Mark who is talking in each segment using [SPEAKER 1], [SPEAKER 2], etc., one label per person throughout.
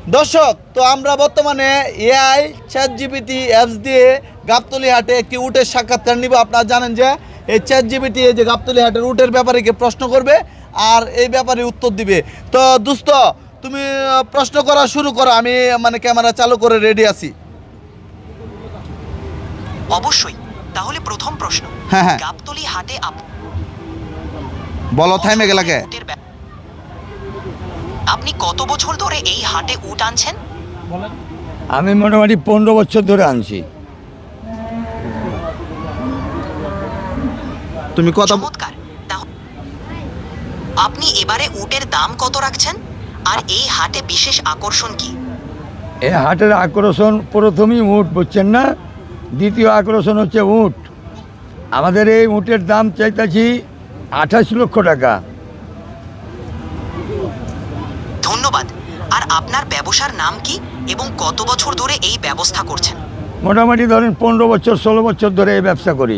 [SPEAKER 1] দর্শক, তো আমরা বর্তমানে এআই ChatGPT অ্যাপস দিয়ে গাবতলী হাটে একটি উটের সাক্ষাৎকার নিব। আপনারা জানেন যে এই ChatGPT এই যে গাবতলী হাটের উটের ব্যাপারে কি প্রশ্ন করবে আর এই ব্যাপারে উত্তর দিবে। তো দোস্ত, তুমি প্রশ্ন করা শুরু করো, আমি মানে ক্যামেরা চালু করে রেডি আছি।
[SPEAKER 2] অবশ্যই। তাহলে প্রথম প্রশ্ন,
[SPEAKER 1] হ্যাঁ।
[SPEAKER 2] গাবতলী হাটে
[SPEAKER 1] বলো, থাইমে গেলাকে।
[SPEAKER 2] আপনি কত বছর ধরে এই হাটে উট আনছেন?
[SPEAKER 3] আমি মোটামুটি 15 বছর ধরে আনছি।
[SPEAKER 1] তুমি কথা
[SPEAKER 2] চমৎকার। আপনি এবারে উটের দাম কত রাখছেন, আর এই হাটে বিশেষ আকর্ষণ কি?
[SPEAKER 3] এই হাটের আকর্ষণ প্রথমেই উট, বুঝছেন না? দ্বিতীয় আকর্ষণ হচ্ছে উট। আমাদের এই উটের দাম চাইতেছি 28 লক্ষ টাকা।
[SPEAKER 2] ধন্যবাদ। আর আপনার ব্যবসার নাম কি এবং কত বছর ধরে এই ব্যবস্থা করছেন?
[SPEAKER 3] মোটামুটি ধরেন 15 বছর 16 বছর ধরে এই ব্যবসা করি।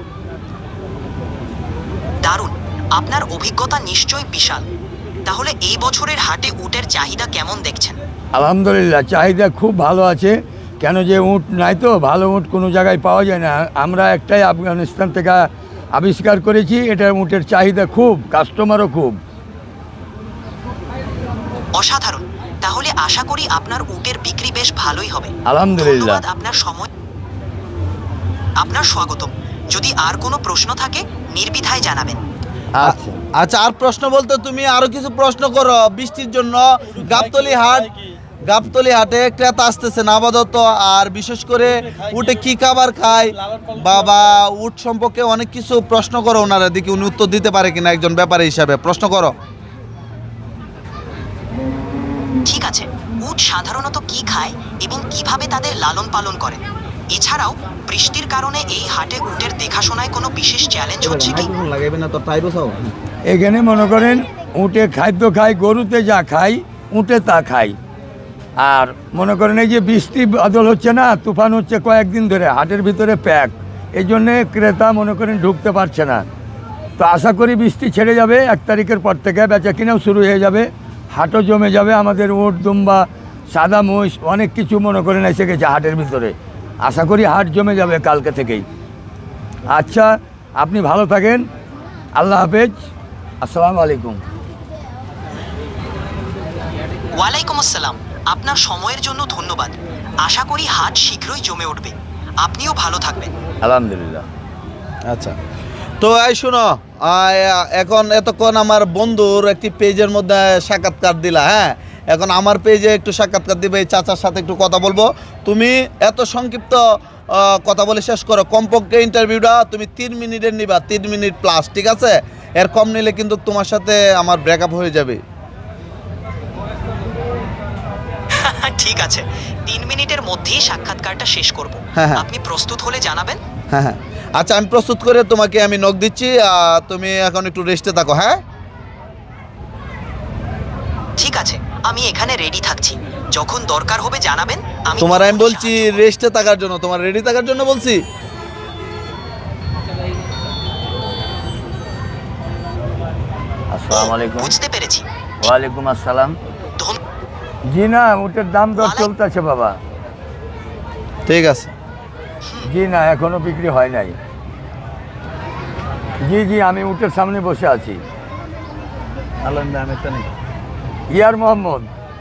[SPEAKER 2] দারুণ, আপনার অভিজ্ঞতা নিশ্চয়ই বিশাল। তাহলে এই বছরের হাটে উটের চাহিদা কেমন দেখছেন?
[SPEAKER 3] আলহামদুলিল্লাহ, চাহিদা খুব ভালো আছে। কেন যে উট নাই, তো ভালো উট কোনো জায়গায় পাওয়া যায় না। আমরা একটাই আফগানিস্তান থেকে আবিষ্কার করেছি, এটা উটের চাহিদা খুব, কাস্টমারও খুব।
[SPEAKER 2] অসাধারণ। তাহলে আশা করি আপনার উটের বিক্রি বেশ ভালোই হবে।
[SPEAKER 3] আলহামদুলিল্লাহ।
[SPEAKER 2] ধন্যবাদ আপনার সময়। আপনার স্বাগতম। যদি আর কোনো প্রশ্ন থাকে নির্দ্বিধায় জানাবেন।
[SPEAKER 3] আচ্ছা।
[SPEAKER 1] আচ্ছা, আর প্রশ্ন বলতে তুমি আরো কিছু প্রশ্ন করো। বৃষ্টির জন্য গাবতলী হাটে ক্রেতা আসতেছে না আপাতত, আর বিশেষ করে উটে কি খাবার খায় বা উট সম্পর্কে অনেক কিছু প্রশ্ন করো ওনারা, দেখি উনি উত্তর দিতে পারে কিনা একজন ব্যাপারী হিসাবে। প্রশ্ন করো।
[SPEAKER 2] ঠিক আছে। উট সাধারণত কি খায় এবং কিভাবে তাদের লালন পালন করে? এছাড়াও বৃষ্টির কারণে এই হাটে উটের দেখাশোনায় কোনো বিশেষ চ্যালেঞ্জ হচ্ছে কি?
[SPEAKER 3] এখানে মনে করেন উটে খাদ্য খায়, গরুতে যা খায় উটে তা খায়। আর মনে করেন এই যে বৃষ্টি বাদল হচ্ছে না, তুফান হচ্ছে কয়েকদিন ধরে, হাটের ভিতরে প্যাক, এই জন্যে ক্রেতা মনে করেন ঢুকতে পারছে না। তো আশা করি বৃষ্টি ছেড়ে যাবে, 1 তারিখের পর থেকে বেচা কিনাও শুরু হয়ে যাবে, হাটও জমে যাবে। আমাদের উট, দুম্বা, সাদা মহিষ অনেক কিছু মনে করেন এসে গেছে হাটের ভিতরে। আশা করি হাট জমে যাবে কালকে থেকেই। আচ্ছা, আপনি ভালো থাকেন। আল্লাহ হাফেজ। আসসালামু আলাইকুম।
[SPEAKER 2] ওয়ালাইকুম আসসালাম। আপনার সময়ের জন্য ধন্যবাদ। আশা করি হাট শীঘ্রই জমে উঠবে। আপনিও ভালো থাকবেন।
[SPEAKER 3] আলহামদুলিল্লাহ।
[SPEAKER 1] আচ্ছা, তো এই শোনো, এখন এতক্ষণ আমার বন্ধুর একটি পেজের মধ্যে সাক্ষাৎকার দিলা। হ্যাঁ, এখন আমার পেজে একটু সাক্ষাৎকার দিবে, এই চাচার সাথে একটু কথা বলবো। তুমি এত সংক্ষিপ্ত কথা বলে শেষ করো। কমপক্ষে ইন্টারভিউটা তুমি 3 মিনিটের নিবা, 3 মিনিট প্লাস, ঠিক আছে? এর কম নিলে কিন্তু তোমার সাথে আমার ব্রেকআপ হয়ে যাবে।
[SPEAKER 2] ঠিক আছে, 3 মিনিটের মধ্যেই সাক্ষাৎকারটা শেষ করব।
[SPEAKER 1] হ্যাঁ।
[SPEAKER 2] আপনি প্রস্তুত হলে জানাবেন।
[SPEAKER 1] হ্যাঁ। আচ্ছা, আমি প্রস্তুত করে তোমাকে আমি নক দিচ্ছি। তুমি এখন একটু রেস্টে থাকো। হ্যাঁ,
[SPEAKER 2] ঠিক আছে, আমি এখানে রেডি থাকছি। যখন দরকার হবে জানাবেন।
[SPEAKER 1] তোমার আমি বলছি রেস্টে থাকার জন্য, তোমার রেডি থাকার জন্য বলছি।
[SPEAKER 3] আসসালামু আলাইকুম।
[SPEAKER 2] বুঝতে পেরেছি।
[SPEAKER 3] ওয়ালাইকুম আসসালাম।
[SPEAKER 2] ধন-
[SPEAKER 3] জি না, উটের দাম দর চলতেছে বাবা।
[SPEAKER 1] ঠিক আছে।
[SPEAKER 3] জি না, এখনো বিক্রি হয় নাই। জি, আমি উটের সামনে বসে আছি। ইয়ার মোহাম্মদ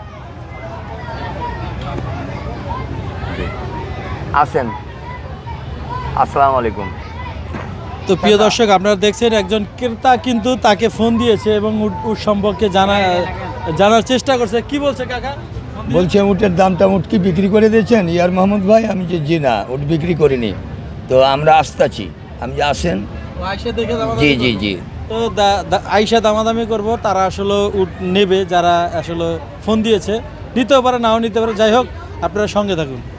[SPEAKER 3] আসেন। আসসালামু আলাইকুম।
[SPEAKER 4] তো প্রিয় দর্শক, আপনারা দেখছেন একজন ক্রেতা কিন্তু তাকে ফোন দিয়েছে এবং উট সম্পর্কে জানার চেষ্টা করছে। কি বলছে কাকা?
[SPEAKER 3] বলছে উটের দামটা উট কি বিক্রি করে দিয়েছেন ইয়ার মোহাম্মদ ভাই? আমি যে জি না, উট বিক্রি করিনি। তো আমরা আসতেছি, আমি যে আসেন।
[SPEAKER 4] আয়সা দেখে
[SPEAKER 3] জি।
[SPEAKER 4] তো আয়সা দামাদামি করব, তারা আসলে উট নেবে যারা আসলে ফোন দিয়েছে। নিতেও পারে, নাও নিতে পারে। যাই হোক, আপনারা সঙ্গে থাকুন।